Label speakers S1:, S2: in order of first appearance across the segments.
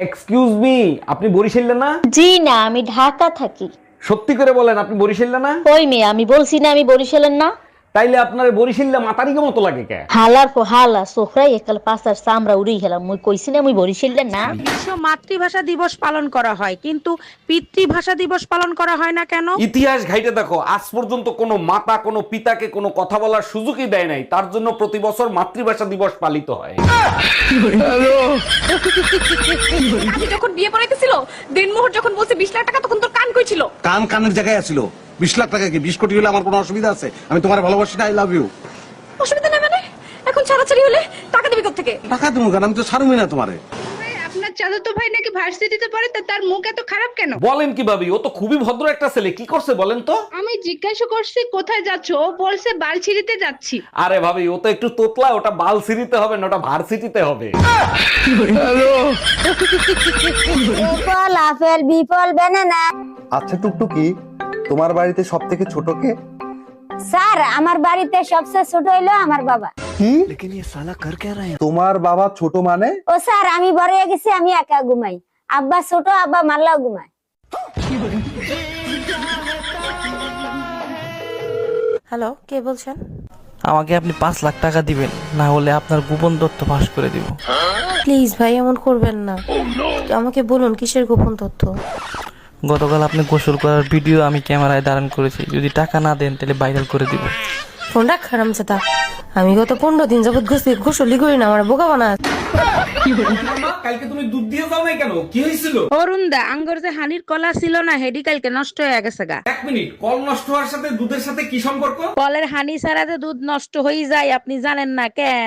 S1: Excuse me, আপনি বরিশালে না?
S2: জি না, আমি ঢাকা থাকি।
S1: সত্যি করে বলেন, আপনি বরিশালে না?
S2: কই মেয়ে, আমি বলছি না আমি বরিশালের না।
S1: তাইলে আপনার বরিশালে মাতারিকে মতো লাগে কে?
S2: হালার পর হালা সোফরাই একাল পাঁচার চামড়া উড়িয়ে গেলাম। মুই কইছি না মুই বরিশালের না।
S3: বিশ্ব মাতৃভাষা দিবস পালন করা হয়, কিন্তু পিতৃভাষা দিবস পালন করা হয় না কেন?
S1: ইতিহাস ঘাইটে দেখো, আজ পর্যন্ত কোনো মাতা কোনো পিতাকে কোনো কথা বলার সুযোগই দেয় নাই, তার জন্য প্রতি বছর মাতৃভাষা দিবস পালিত হয়।
S4: আমি যখন বিয়ে পড়াইতেছিল, দিনমোহর যখন বলছে 20 লাখ টাকা, তখন তোর কান কই ছিল?
S5: কান কানের জায়গায় আছিল। 20 লাখ টাকা কি 20 কোটি হলে আমার কোনো অসুবিধা আছে? আমি তোমার ভালোবাসি না, আই লাভ ইউ।
S4: অসুবিধা নেই মানে? এখন ছাড়াছাড়ি হলে টাকা দিবি কোত্থেকে?
S5: টাকা দেবো কেন? আমি তো ছাড়বই না তোমারে।
S6: আপনার চাচাতো ভাই নাকি ভার্সিটিতে পড়ে, তা তার মুখ এত খারাপ কেন?
S1: বলেন কি ভাবি, ও তো খুবই ভদ্র একটা ছেলে, কি করছে বলেন তো?
S6: আমি জিজ্ঞাসা করছি কোথায় যাচ্ছ, ও বলছে বালছিড়িতে যাচ্ছি।
S1: আরে ভাবি, ও তো একটু তোতলা, ওটা বালসিরিতে হবে না, ওটা ভার্সিটিতে হবে।
S2: এপল আপেল বিপল বানানা।
S7: আচ্ছা টুকটুকি, তোমার বাড়িতে সব থেকে ছোট কে?
S2: স্যার, আমার বাড়িতে সবচেয়ে ছোট হইলো আমার বাবা।
S7: কি? তোমার বাবা ছোট মানে?
S2: ও স্যার, আমি বড় হয়ে গেছি, আমি একা ঘুমাই। আব্বা ছোট, আব্বা মারলাও ঘুমায়।
S3: হ্যালো, কে বলছেন?
S8: আমাকে আপনি 5 লাখ টাকা দিবেন, না হলে আপনার গোপন তথ্য ফাঁস করে দিব।
S3: প্লিজ ভাই, এমন করবেন না। আমাকে বলুন কিসের গোপন তথ্য?
S8: গতকাল আপনি গোসল করার ভিডিও আমি ক্যামেরায় ধারণ করেছি, যদি টাকা না দেন তাহলে ভাইরাল করে দিব।
S3: ফোনটা খারাপ চেতা। আমি গত 15 দিন যাবত গোসলই করি না, আমার বোকা বানা।
S1: কালকে তুমি দুধ দিয়ে যাও নাই কেন? কি হয়েছিল?
S3: অরুণ দা, আঙ্গর যে হানির কলা ছিল না, হেডি কালকে নষ্ট হয়ে গেছে গা।
S1: এক মিনিট, কল নষ্ট হওয়ার সাথে দুধের সাথে কি সম্পর্ক?
S3: কলের হানি ছাড়া যে দুধ নষ্ট হয়ে যায়, আপনি জানেন না কেন?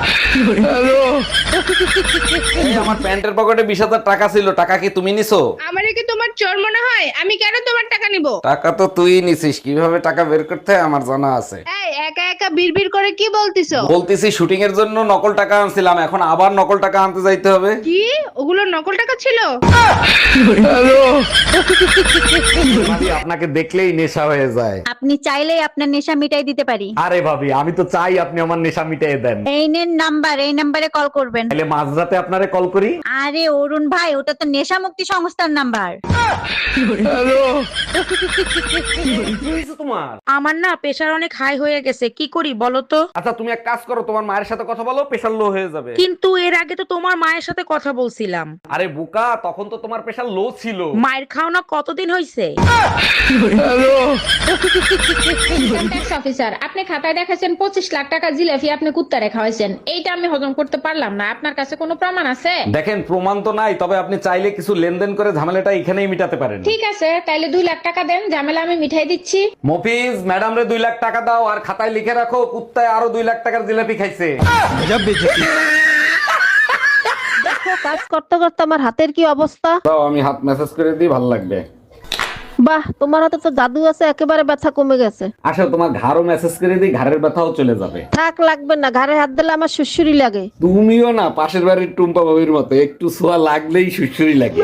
S1: এই, আমার প্যান্টের পকেটে 20,000 টাকা ছিল, টাকা কি তুমি নিছো?
S6: আমারে কি তোমার চোর মনে হয়? আমি কেন তোমার টাকা নিব?
S1: টাকা তো তুই নিছিস, কিভাবে টাকা বের করতে হয় আমার জানা আছে।
S6: এই একা একা বিড়বিড় করে কি বলতিছো?
S1: বলতেছি শুটিং এর জন্য নকল টাকা আনছিলাম, এখন আবার নকল টাকা আনতে যাইতে হবে।
S6: কি ওগুলো নকল টাকা ছিল?
S1: ভাবি, আপনাকে দেখলেই নেশা হয়ে যায়।
S2: আপনি চাইলেই আপনার নেশা মিটাই দিতে পারি।
S1: আরে ভাবি, আমি তো চাই আপনি আমার নেশা মিটিয়ে দেন।
S2: এই নেন নাম্বার, এই নাম্বারে কল করবেন।
S1: তাহলে মাঝরাতে আপনারে কল করি।
S2: আরে অরুণ ভাই, ওটা তো নেশা মুক্তি সংস্থার নাম্বার।
S1: কি হয়েছে তোমার?
S3: আমার না প্রেশার অনেক হাই হয়ে গেছে, কি করি বলো তো?
S1: আচ্ছা, তুমি এক কাজ করো, তোমার মায়ের সাথে কথা বলো, প্রেশার লো হয়ে যাবে।
S3: কিন্তু এর আগে তো তোমার মায়ের সাথে কথা বলছিলাম।
S1: আরে বোকা, তখন তো তোমার প্রেশার লো ছিল।
S3: মায়ের খাওনা কতদিন হয়েছে?
S6: ট্যাক্স অফিসার, আপনি খাতায় দেখাছেন 25 লাখ টাকা জিলাপি আপনি কুত্তারে খাওয়াইছেন। এইটা আমি হজম করতে পারলাম না। আপনার কাছে কোনো প্রমাণ আছে?
S1: দেখেন, প্রমাণ তো নাই, তবে আপনি চাইলে কিছু লেনদেন করে ঝামেলাটা এখানেই মিটাতে পারেন।
S6: ঠিক আছে, তাইলে 2 লাখ টাকা দেন, ঝামেলা আমি মিঠাই দিচ্ছি।
S1: মফিজ, ম্যাডাম রে 2 লাখ টাকা দাও, আর খাতায় লিখে রাখো কুত্তায় আরো 2 লাখ টাকার জিলাপি খাইছে।
S2: কাজ করতে করতে আমার হাতের কি অবস্থা।
S1: দাও, আমি হাত মেসেজ করে দিই, ভালো লাগবে।
S2: বাহ, তোমার হাতে তো জাদু আছে, একেবারে ব্যথা কমে গেছে।
S1: আসলে তোমার ঘাড়ও মেসেজ করে দিই, ঘাড়ের ব্যথাও চলে যাবে।
S2: থাক, লাগবে না, ঘাড়ে হাত দিলে আমার সুসুরি লাগে।
S1: তুমিও না পাশের বাড়ির টুম্পা বাবির মতো, একটু ছোঁয়া লাগলেই সুসুরি লাগে।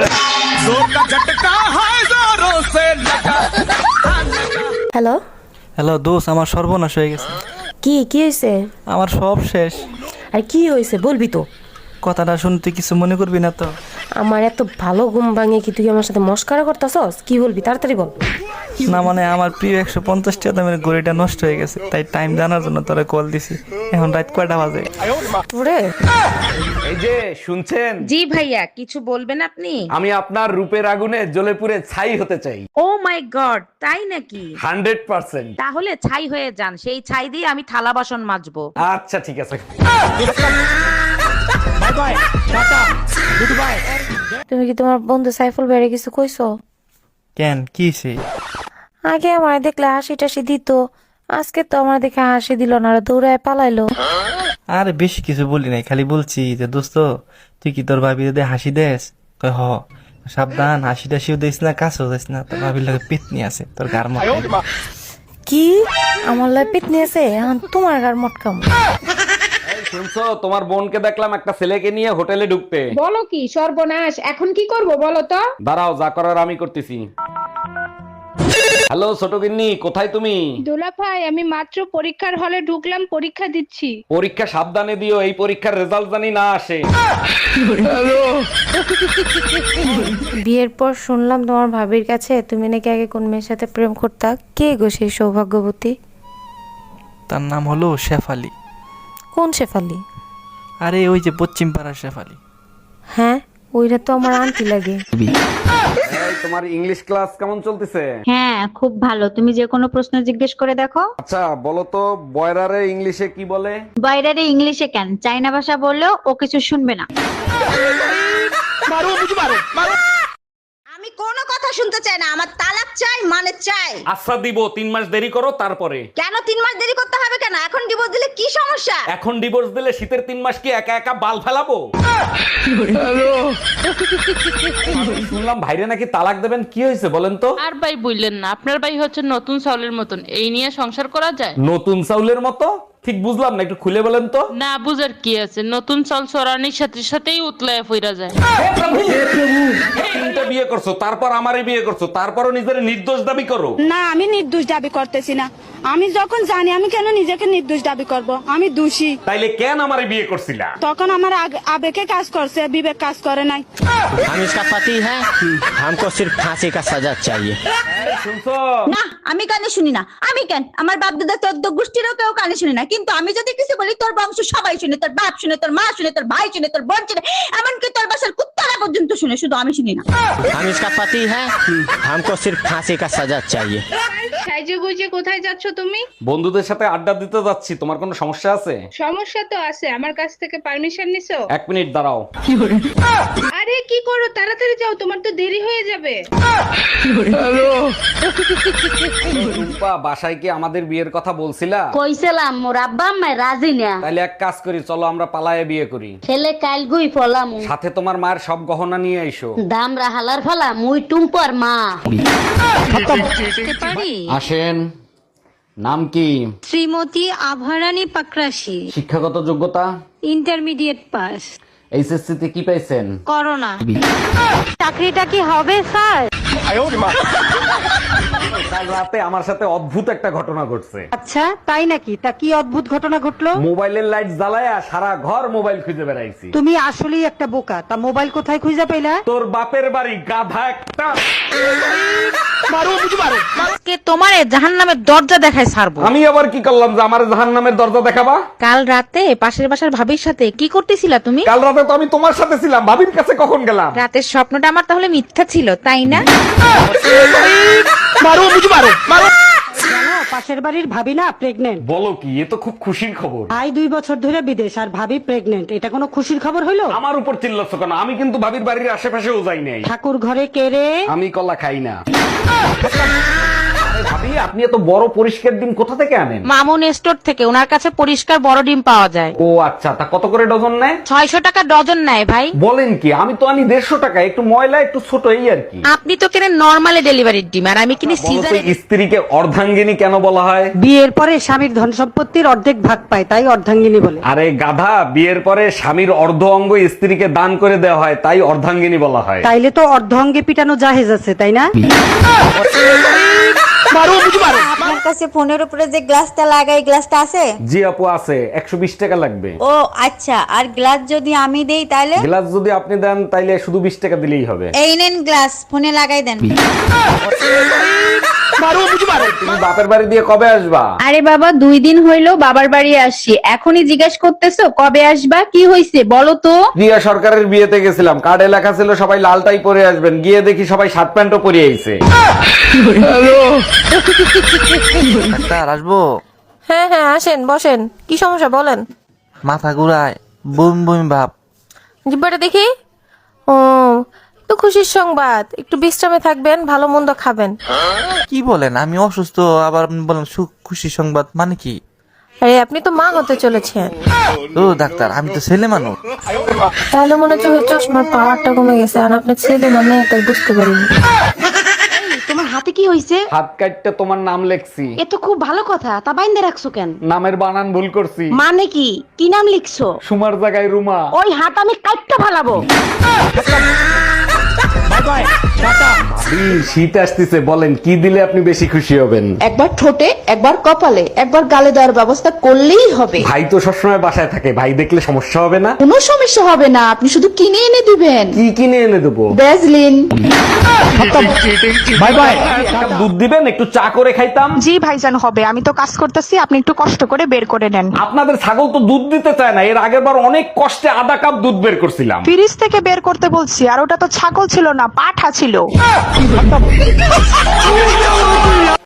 S3: হ্যালো
S8: হ্যালো দোষ, আমার সর্বনাশ হয়ে গেছে।
S3: কি কি হয়েছে?
S8: আমার সব শেষ।
S3: আর কি হয়েছে বলবি তো?
S8: কথাটা শুনতে কিছু মনে করবি না তো?
S3: আমার এত ভালো ঘুম ভাঙে কি তুই আমার সাথে মস্কারা করতেছস? কি বলবি তাড়াতাড়ি বল।
S8: না মানে, আমার প্রিয় 150 টাকা দামের ঘড়িটা নষ্ট হয়ে গেছে, তাই টাইম জানার জন্য তোরা কল দিছি। এখন রাত কয়টা বাজে?
S3: তোরে
S1: এই যে শুনছেন?
S3: জি ভাইয়া, কিছু বলবেন আপনি?
S1: আমি আপনার রূপের আগুনে জ্বলে পুড়ে ছাই হতে চাই।
S3: ও মাই গড, তাই নাকি?
S1: 100%।
S3: তাহলে ছাই হয়ে যান, সেই ছাই দিয়ে আমি থালা বাসন মাজবো।
S1: আচ্ছা ঠিক আছে।
S3: তুমি কি তোমার বন্ধু সাইফুল ভাইরে কিছু কইছো?
S8: কেন, কি হইছে?
S3: আগে আমার দেখলে হাসি টাসি দিত, আজকে তো আমার দেখে হাসি দিল না, দৌড়ায় পালাইলো।
S8: আরে বেশি কিছু বলি নাই, খালি বলছি যে দোস্ত, তুই কি তোর ভাবি যদি হাসি দেস? কয় হ। সাবধান, হাসি টাসিও দিস না, কাছেও দিস না, তোর ভাবির লাগে পেতনি আছে তোর গার মধ্যে।
S3: কি আমার লাই পিটনি আছে? এখন তোমার গার মটকাম।
S1: এই শুনছো, তোমার বোনকে দেখলাম একটা ছেলেকে নিয়ে হোটেলে ঢুকতে।
S6: বলো কি সর্বনাশ, এখন কি করব বলো তো?
S1: দাঁড়াও, যা করার আমি করতেছি। হ্যালো ছোট গিন্নি, কোথায় তুমি?
S6: দোলা ভাই আমি মাত্র পরীক্ষার হলে ঢুকলাম, পরীক্ষা দিচ্ছি।
S1: পরীক্ষা সাবধানে দিও, এই পরীক্ষার রেজাল্ট জানি না আসে।
S3: বিয়ের পর শুনলাম তোমার ভাবির কাছে তুমি নাকি আগে কোন মেয়ের সাথে প্রেম করতা। কে গো সেই সৌভাগ্যবতী?
S8: তার নাম হলো শেফালি।
S3: কোন শেফালি?
S8: আরে ওই যে পশ্চিম পাড়ার শেফালি।
S3: হ্যাঁ, ওইটা তো আমার আন্টি লাগে।
S1: এই, তোমার ইংলিশ ক্লাস কেমন চলতেছে?
S9: হ্যাঁ খুব ভালো, তুমি যে কোনো প্রশ্ন জিজ্ঞেস করে দেখো।
S1: আচ্ছা বলো তো, বয়রারে ইংলিশে কি বলে?
S9: বাইরে ইংলিশে কেন, চাইনা ভাষা বললেও ও কিছু শুনবে না।
S10: আমি কোনো কথা শুনতে চাই না, আমার তালাক চাই, মানে চাই।
S1: আচ্ছা দিব, 3 মাস দেরি করো তারপরে।
S10: কেন 3 মাস দেরি করতে হবে কেন? এখন ডিভোর্স দিলে কি সমস্যা?
S1: এখন ডিভোর্স দিলে শীতের 3 মাস কি একা একা বাল ফেলাবো? আমি শুনলাম ভাইরে নাকি তালাক দেবেন, কি হয়েছে বলেন তো?
S11: আর ভাই বললেন না, আপনার ভাই হচ্ছে নতুন চাউলের মতন, এই নিয়ে সংসার করা যায়?
S1: নতুন চাউলের মতো? ঠিক বুঝলাম না, একটু খুলে বলেন তো।
S11: না বুঝার কি আছে, নতুন চাল চড়ানির সাথে সাথেই উতলায় ফিরা যায়।
S1: তিনটা বিয়ে করছো, তারপর আমারই বিয়ে করছো, তারপরও নিজের নির্দোষ দাবি করো।
S4: না আমি নির্দোষ দাবি করতেছি না। আমি যখন জানি, আমি কেন নিজেকে নির্দোষ দাবি করব? আমি দোষী।
S1: তাইলে কেন আমারে বিয়ে করছিলা?
S4: তখন আমার আবেগে কাজ করছে, বিবেক কাজ করে নাই।
S12: हम इसका पति है, हमको सिर्फ फांसी का सजा चाहिए।
S1: শুনছো?
S10: না আমি কানে শুনি না। আমি কেন, আমার বাপ দাদা 14 গোষ্ঠীরও কেউ কানে শুনি না। কিন্তু আমি যদি কিছু বলি, তোর বংশ সবাই শুনে, তোর বাপ শুনে, তোর মা শুনে, তোর ভাই শুনে, তোর বোন শুনে, এমনকি তোর বাসার কুত্তারা পর্যন্ত শুনে, শুধু আমি শুনি না।
S12: हम इसका पति है, हमको सिर्फ फांसी का सजा चाहिए।
S6: সাইজে গুজে কোথায় যাচ্ছ তুমি?
S1: বন্ধুদের সাথে আড্ডা দিতে যাচ্ছি, তোমার কোনো সমস্যা আছে?
S6: সমস্যা তো আছে, আমার কাছ থেকে পারমিশন নিছো?
S1: 1 মিনিট দাঁড়াও।
S6: আরে কি করো, তাড়াতাড়ি যাও, তোমার তো দেরি হয়ে যাবে।
S1: টুম্পা, বাসায় কি আমাদের বিয়ের কথা বলছিলা?
S2: কইছিলাম মোর আব্বা আম্মায় রাজি না।
S1: তাইলে এক কাজ করি, চলো আমরা পালায়ে বিয়ে করি।
S2: ছেলে কাল গুই ফলাম,
S1: সাথে তোমার মায়ের সব গহনা নিয়ে আইসো।
S2: দাম রাহালার ফলা মুই টুম্পর মা।
S1: আসেন। নাম কি?
S9: শ্রীমতী আভারানী পাকরাশি,
S1: শিক্ষাগত যোগ্যতা?
S9: Intermediate pass.
S1: এইচএসসি তে কি পাইছেন?
S9: করোনা।
S3: চাকরিটা কি হবে স্যার?
S1: কাল রাতে আমার সাথে অদ্ভুত একটা ঘটনা ঘটছে।
S2: আচ্ছা তাই নাকি? তা কি অদ্ভুত ঘটনা ঘটলো?
S1: মোবাইলের লাইট জ্বালায়া সারা ঘর মোবাইল খুঁজে বেড়াইছি।
S2: তুমি আসলেই একটা বোকা। তা মোবাইল কোথায় খুঁজে পেলা?
S1: তোর বাপের বাড়ি, গাধা একটা।
S3: আজকে তোমারে জাহান্নামের দরজা দেখায় ছাড়বো।
S1: আমি আবার কি করলাম যে আমার জাহান্নামের দরজা দেখাবা?
S3: কাল রাতে পাশের বাসার ভাবির সাথে কি করতেছিলা তুমি?
S1: কাল রাতে তো আমি তোমার সাথে ছিলাম, ভাবির কাছে কখন গেলাম?
S3: রাতের স্বপ্নটা আমার তাহলে মিথ্যা ছিল, তাই না?
S2: জানো পাশের বাড়ির ভাবি না প্রেগনেন্ট।
S1: বলো কি, এ তো খুব খুশির খবর।
S2: ভাই 2 বছর ধরে বিদেশ আর ভাবি প্রেগনেন্ট, এটা কোনো খুশির খবর হইলো?
S1: আমার উপর চিল্লাচ্ছ কেন? আমি কিন্তু ভাবির বাড়ির আশেপাশেও যাই নাই।
S2: ঠাকুর ঘরে কে রে?
S1: আমি কলা খাই না। আরে ভাবি, আপনি এত বড় পরিষ্কার ডিম কোথা থেকে আনেন?
S3: মামুন স্টোর থেকে, ওনার কাছে পরিষ্কার বড় ডিম পাওয়া যায়।
S1: ও আচ্ছা, তা কত করে ডজন নেয়?
S3: 600 টাকা ডজন নেয় ভাই।
S1: বলেন কি? আমি তো আনি 150 টাকা, একটু ময়লা একটু ছোট, এই আর কি।
S3: আপনি তো কেনেন নরমালি ডেলিভারির ডিম, আর আমি কিনি
S1: বলো তো,
S3: সিজারে।
S1: স্ত্রীকে অর্ধাঙ্গিনী কেন বলা হয়?
S2: বিয়ের পরে স্বামীর ধন সম্পত্তির অর্ধেক ভাগ পায়, তাই অর্ধাঙ্গিনী বলে।
S1: আরে গাধা, বিয়ের পরে স্বামীর অর্ধ অঙ্গ স্ত্রীকে দান করে দেওয়া হয়, তাই অর্ধাঙ্গিনী বলা হয়।
S2: তাইলে তো অর্ধ অঙ্গে পিটানো জাহেজ আছে, তাই না?
S9: আপনার কাছে ফোনের উপরে যে গ্লাসটা লাগাই, গ্লাসটা আছে?
S1: জি আপু আছে, 120 টাকা লাগবে।
S9: ও আচ্ছা, আর গ্লাস যদি আমি দেই তাহলে?
S1: গ্লাস যদি আপনি দেন তাইলে শুধু 20 টাকা দিলেই হবে।
S9: এই নেন গ্লাস, ফোনে লাগাই দেন।
S1: তুমি বাপের বাড়ি দিয়ে কবে আসবা?
S6: আরে বাবা 2 দিন হইলো বাবার বাড়ি আসছি, এখনই জিজ্ঞাসা করতেছো কবে আসবা? কি হইছে বলো তো?
S1: রিয়া সরকারের বিয়েতে গেছিলাম, কার্ডে লেখা ছিল সবাই লালটাই পরে আসবেন, গিয়ে দেখি সবাই শার্ট প্যান্টও পরে আইছে।
S8: ডাক্তার আসবো?
S3: হ্যাঁ হ্যাঁ আসেন, বসেন। কি সমস্যা বলেন?
S8: মাথা ঘুরায়, বমি বমি ভাব।
S3: জিব্বাটা দেখি। ও, তো খুশির সংবাদ, একটু বিশ্রামে থাকবেন, ভালো মন্দ খাবেন।
S8: কি বলেন? আমি অসুস্থ, আবার আপনি বলেন সুখ খুশি সংবাদ, মানে কি?
S3: আরে আপনি তো মা হতে চলেছেন।
S8: ও ডাক্তার, আমি তো ছেলে মানুষ।
S3: তাহলে মনে হচ্ছে চশমার পাওয়ারটা কমে গেছে, আর আপনার ছেলে মানে তাই বুঝতে পারিনি।
S2: তোমার হাতে কি হইছে?
S1: হাত কাটতে তোমার নাম লেখছি।
S2: এ তো খুব ভালো কথা, তা বাইন্দে রাখছো কেন?
S1: নামের বানান ভুল করছি।
S2: মানে কি? কি নাম লিখছো?
S1: সুমার জায়গায় রুমা।
S2: ওই হাত আমি কাটতে ফালাবো।
S1: Bye bye, tata. শীত আসতেছে, বলেন কি দিলে আপনি বেশি খুশি হবেন?
S4: একবার ঠোঁটে, একবার কপালে, একবার গালে দেওয়ার ব্যবস্থা করলেই হবে।
S1: ভাই তো সবসময় বাসায় থাকে, ভাই দেখলে সমস্যা হবে না?
S4: কোনো সমস্যা হবে না, আপনি শুধু কিনে এনে দিবেন।
S1: কি কিনে এনে দেবো?
S4: ভ্যাজলিন।
S1: Bye bye. দুধ দিবেন, একটু চা করে খাইতাম।
S4: জি ভাইজান হবে, আমি তো কাজ করতেছি, আপনি একটু কষ্ট করে বের করে নেন।
S1: আপনাদের ছাগল তো দুধ দিতে চায় না, এর আগের বার অনেক কষ্টে আধা কাপ দুধ বের করছিলাম।
S4: ফ্রিজ থেকে বের করতে বলছি, আর ওটা তো ছাগল ছিল না, পাঠা ছিল।